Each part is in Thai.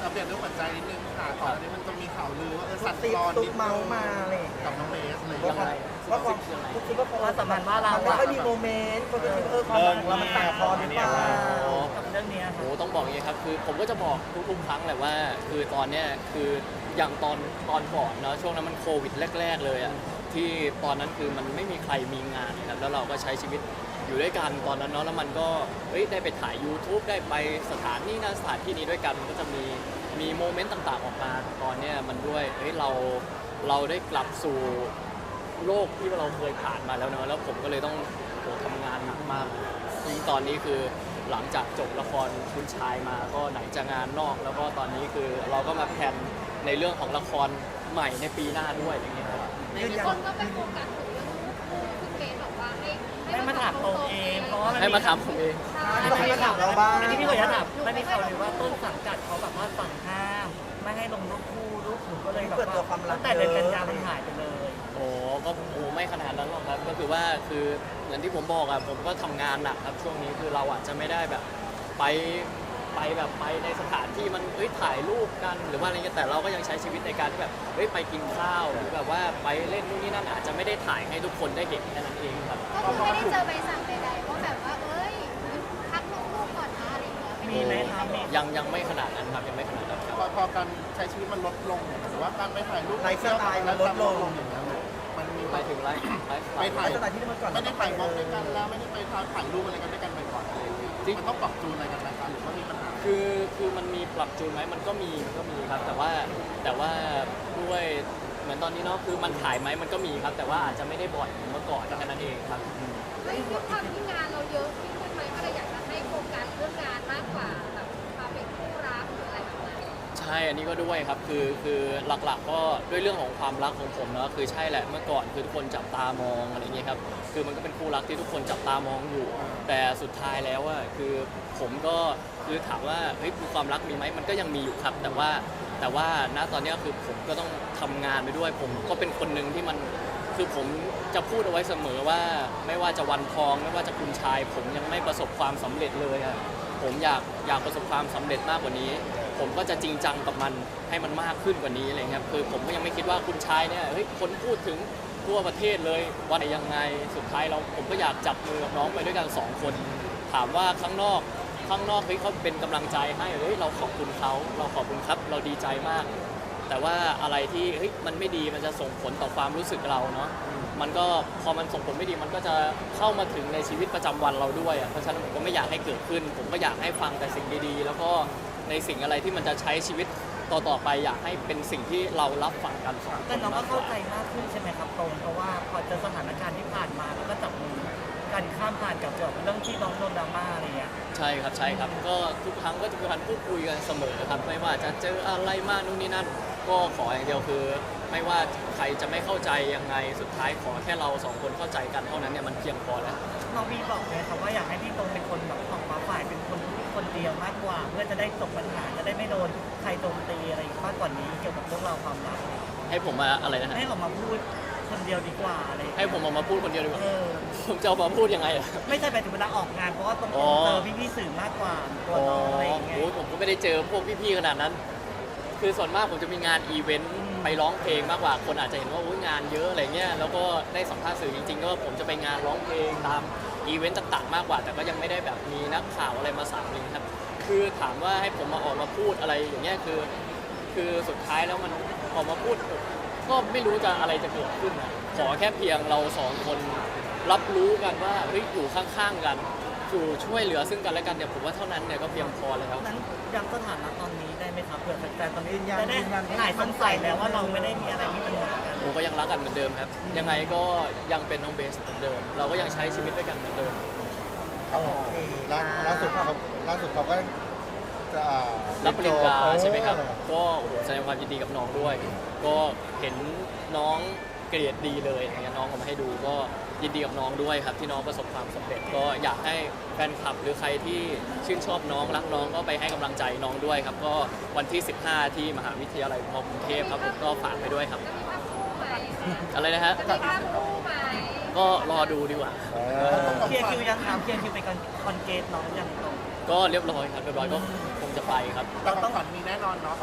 อัปเดตเรื่องหัวใจนิดนึงค่ะก่อนอันนี้มันจะมีข่าวลือว่าสัตว์ตอนตุ๊นิกดเมานึงมาอะไรกับน้องเบสอะไรอย่างว่าเงี้ยว่าความคิดว่าความสัมพันธ์ว่าเราไม่ค่อยมีโมเมนต์คนก็คิดความรักเรามันตัดพอหรือเปล่ากับเรื่องนี้โอ้ต้องบอกอย่างนี้ครับคือผมก็จะบอกทุกๆครั้งแหละว่าคือตอนเนี้ยคืออย่างตอนก่อนเนาะช่วงนั้นมันโควิดแรกๆเลยอ่ะที่ตอนนั้นคือมันไม่มีใครมีงานนะครับแล้วเราก็ใช้ชีวิตอยู่ด้วยกันตอนนั้นเนาะแล้วมันก็ได้ไปถ่าย YouTube ได้ไปสถานที่นั้นสถานที่นี้ด้วยกันมันก็จะมีโมเมนต์ต่างๆออกมาตอนเนี้ยมันด้วยเราได้กลับสู่โลกที่เราเคยผ่านมาแล้วเนาะแล้วผมก็เลยต้องทำงานหนักมากยิ่งตอนนี้คือหลังจากจบละครคุณชายมาก็ไหนจะงานนอก แล้วก็ตอนนี้คือเราก็มาแพลนในเรื่องของละครใหม่ในปีหน้าด้วยอย่างเงี้ยครับคนก็ไปโฟกัสถึงเรื่องลูกคู่คุณเบสบอกว่าให้มาถามตรงเองเพราะว่าให้มาถามผมเองไม่มาถามเราบ้างที่พี่ขออนุญาตถามไม่มีข่าวเลยว่าต้นสังกัดเขาแบบว่าสั่งห้ามไม่ให้ลงรูปคู่รูปหนูก็เลยแบบว่าตั้งแต่เดือนกันยายนมันหายไปเลยโอ้ก็ไม่ขนาดนั้นหรอกครับก็คือว่าคือเหมือนที่ผมบอกอะผมก็ทำงานหนักครับช่วงนี้คือเราอาจจะไม่ได้แบบไปในสถานที่มันถ่ายรูปกันหรือว่าอะไรเงี้ยแต่เราก็ยังใช้ชีวิตในการที่แบบไปกินข้าวหรือแบบว่าไปเล่นนู่นนี่นั่นอาจจะไม่ได้ถ่ายให้ทุกคนได้เห็นแค่นั้นเองครับก็คือไม่ได้เจอใบสั่งใดๆว่าแบบว่าพักลูกก่อนนะอะไรอย่างเงี้ยมีไหมครับยังไม่ขนาดนั้นครับยังไม่ขนาดนั้นครับพอการใช้ชีวิตมันลดลงหรือว่าการไปถ่ายรูปไลฟ์สไตล์มันลดลงอย่างเงี้ยมันมีหมายถึงไลฟ์ไปถ่ายสไตล์ที่เมื่อก่อนไม่ได้ไปมองด้วยกันแล้วไม่ได้ไปถ่ายรูปอะไรกันด้วยกันบ่อยๆอะไรอย่างเงี้ยมันต้องปรับจูนอะไรกันไหมคะหรือว่ามีปัญหาคือมันมีปรับจูนไหมมันก็มีครับแต่ว่าด้วยเหมือนตอนนี้เนาะคือมันถ่ายไหมมันก็มีครับแต่ว่าอาจจะไม่ได้บ่อยเหมือนเมื่อก่อนแค่นั้นเองครับด้วยความที่งานเราเยอะขึ้นไหมก็เลยอยากจะให้โฟกัสเรื่องงานมากกว่าแบบความเป็นคู่รักหรืออะไรแบบนั้นใช่อันนี้ก็ด้วยครับคือหลักๆก็ด้วยเรื่องของความรักของผมเนาะคือใช่แหละเมื่อก่อนคือทุกคนจับตามองอะไรเงี้ยครับคือมันก็เป็นคู่รักที่ทุกคนจับตามองอยู่ แต่สุดท้ายแล้วอะคือผมก็คือถามว่ามีความรักมีไหมมันก็ยังมีอยู่ครับแต่ว่าณตอนนี้คือผมก็ต้องทำงานไปด้วยผมก็เป็นคนหนึ่งที่มันคือผมจะพูดเอาไว้เสมอว่าไม่ว่าจะวันทองไม่ว่าจะคุณชาย ผมยังไม่ประสบความสำเร็จเลยอะผมอยากประสบความสำเร็จมากกว่านี้ ผมก็จะจริงจังกับมันให้มันมากขึ้นกว่านี้อะไรเงี้ยคือผมก็ยังไม่คิดว่าคุณชายเนี่ยคนพูดถึงทั่วประเทศเลยว่าไหนยังไงสุดท้ายผมก็อยากจับมือกับน้องไปด้วยกัน2 คนถามว่าข้างนอกเขาเป็นกำลังใจให้เราขอบคุณเขาเราขอบคุณครับเราดีใจมาก แต่ว่าอะไรที่มันไม่ดีมันจะส่งผลต่อความรู้สึกเราเนาะมันก็พอมันส่งผลไม่ดีมันก็จะเข้ามาถึงในชีวิตประจำวันเราด้วยเพราะฉะนั้นผมก็ไม่อยากให้เกิดขึ้น ผมก็อยากให้ฟังแต่สิ่งดีๆแล้วก็ในสิ่งอะไรที่มันจะใช้ชีวิตต่อไปอยากให้เป็นสิ่งที่เรารับฟังกัน2 คนแต่น้องก็มากกเข้าว่าใจมากขึ้นใช่ไหมครับตรงเพราะว่าพอเจอสถานการณ์ที่ผ่านมาแล้วก็จับมือกันข้ามผ่านกับเรื่องที่น้องโดนดราม่าอะไรเงี้ยใช่ครับก็ทุกครั้งก็จะมีการพูดคุยกันเสมอครับไม่ว่าจะเจออะไรมากนู่นนี่นั่นก็ขออย่างเดียวคือ ไม่ว่าใครจะไม่เข้าใจยังไงสุดท้ายขอแค่เรา2 คนเข้าใจกันเท่านั้นเนี่ยมันเพียงพอแล้วน้องวีบอกเลยครับว่าอยากให้พี่ตรงเป็นคนแบบออกมาฝ่ายเป็นคนเดียวมากกว่า เพื่อจะได้จบปัญหาจะได้ไม่โดนใครโจมตีอะไรมากกว่านี้เกี่ยวกับเรื่องราวความรักให้ผมมาอะไรนะฮะให้ออกมาพูดคนเดียวดีกว่าอะไรให้ผมออกมาพูดคนเดียวดีกว่าเออผมจะออกมาพูดยังไงอะไม่ใช่ไปถึงเวลาออกงานเพราะว่าตรงอ๋อเจอพี่ๆสื่อมากกว่าตัวน้องอะไรอย่างเงี้ยโอ้ผมก็ไม่ได้เจอพวกพี่ๆขนาดนั้น คือส่วนมากผมจะมีงานอีเวนต์ไปร้องเพลงมากกว่าคนอาจจะเห็นว่าอุ๊ยงานเยอะอะไรเงี้ยแล้วก็ได้สัมภาษณ์สื่อจริงๆก็ผมจะไปงานร้องเพลงตามอีเวนต์ต่างๆมากกว่า แต่ก็ยังไม่ได้แบบมีนักข่าวอะไรมาสามเลยครับคือถามว่าให้ผมมาออกมาพูดอะไรอย่างเงี้ยคือสุดท้ายแล้วมันออกมาพูดก็ไม่รู้จะอะไรจะเกิดขึ้นอะขอแค่เพียงเรา2 คนรับรู้กันว่าอยู่ข้างๆกันอยู่ช่วยเหลือซึ่งกันและกันเนี่ยผมว่าเท่านั้นเนี่ยก็เพียงพอแล้วนั้นย้ำสถานะตอนนี้ได้ไหมครับเผื่อแฟนๆตอนนี้จะได้หายสงสัยแล้วว่าเราไม่ได้มีอะไรที่ปัญหากันผมก็ยังรักกันเหมือนเดิมครับ ยังไงก็ยังเป็นน้องเบสเหมือนเดิม เราก็ยังใช้ชีวิตด้วยกันเหมือนเดิมโอเคล่าสุดเขาก็จะรับปริญญาใช่ไหมครับ ก็โอ้โหแสดงความยินดีกับน้องด้วย ก็เห็นน้องเกรดดีเลยอย่างเงี้ยน้องเอามาให้ดูก็ยินดีกับน้องด้วยครับที่น้องประสบความสำเร็จ ก็อยากให้แฟนคลับหรือใครที่ชื่นชอบน้องรักน้องก็ไปให้กำลังใจน้องด้วยครับ ก็วันที่ 15 ที่มหาวิทยาลัยมกรุงเทพครับผมก็ฝากไปด้วยครับจะมีภาพคู่ไหมอะไรนะฮะจะมีภาพคู่ไหมก็รอดูดีกว่าเคลียร์คิวยังถามเคลียร์คิวไปคอนเกตน้องยังตรงก็เรียบร้อยครับเรียบร้อยก็คงจะไปครับแต่ของขวัญมีแน่นอนเนาะ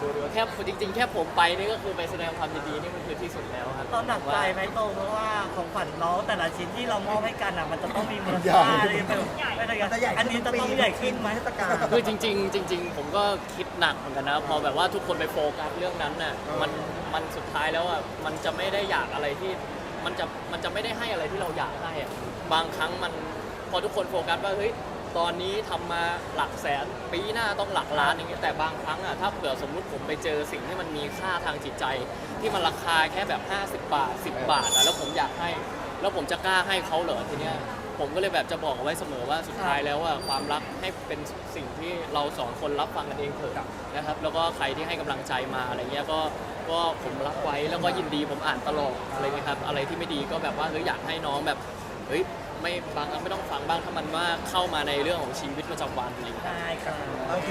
ดูดีกว่าแค่จริงๆ แค่ผมไปนี่ก็คือไปแสดงความยินดีนี่มันคือที่สุดแล้วครับตอนหนักใจไหมโตเพราะว่าของขวัญน้องแต่ละชิ้นที่เรามอบให้กันอ่ะมันจะต้องมีมูลค่าอะไรแบบอันนี้จะต้องใหญ่ขึ้นไหมเทศกาลคือจริงๆผมก็คิดหนักเหมือนกันนะพอแบบว่าทุกคนไปโฟกัสเรื่องนั้นน่ะมันสุดท้ายแล้วอ่ะมันจะไม่ได้อยากอะไรที่มันจะไม่ได้ให้อะไรที่เราอยากให้อะบางครั้งมันพอทุกคนโฟกัสว่าเฮ้ยตอนนี้ทำมาหลักแสนปีหน้าต้องหลักล้านอย่างเงี้ยแต่บางครั้งอ่ะถ้าเผื่อสมมุติผมไปเจอสิ่งที่มันมีค่าทางจิตใจ ที่มันราคาแค่แบบ50 บาท 10 บาทอะแล้วผมอยากให้แล้วผมจะกล้าให้เขาเหรอทีเนี้ยผมก็เลยแบบจะบอกเอาไว้เสมอว่าสุดท้ายแล้วว่าความรักให้เป็นสิ่งที่เราสองคนรับฟังกันเองเถอะนะครับแล้วก็ใครที่ให้กำลังใจมาอะไรเงี้ยก็ผมรับไว้แล้วก็ยินดีผมอ่านตลอดอะไรเงี้ยครับอะไรที่ไม่ดีก็แบบว่าเฮ้ยอยากให้น้องแบบเฮ้ยไม่บางครั้งไม่ต้องฟังบ้างถ้ามันว่าเข้ามาในเรื่องของชีวิตประจำวันอะไรเงี้ยได้ครับ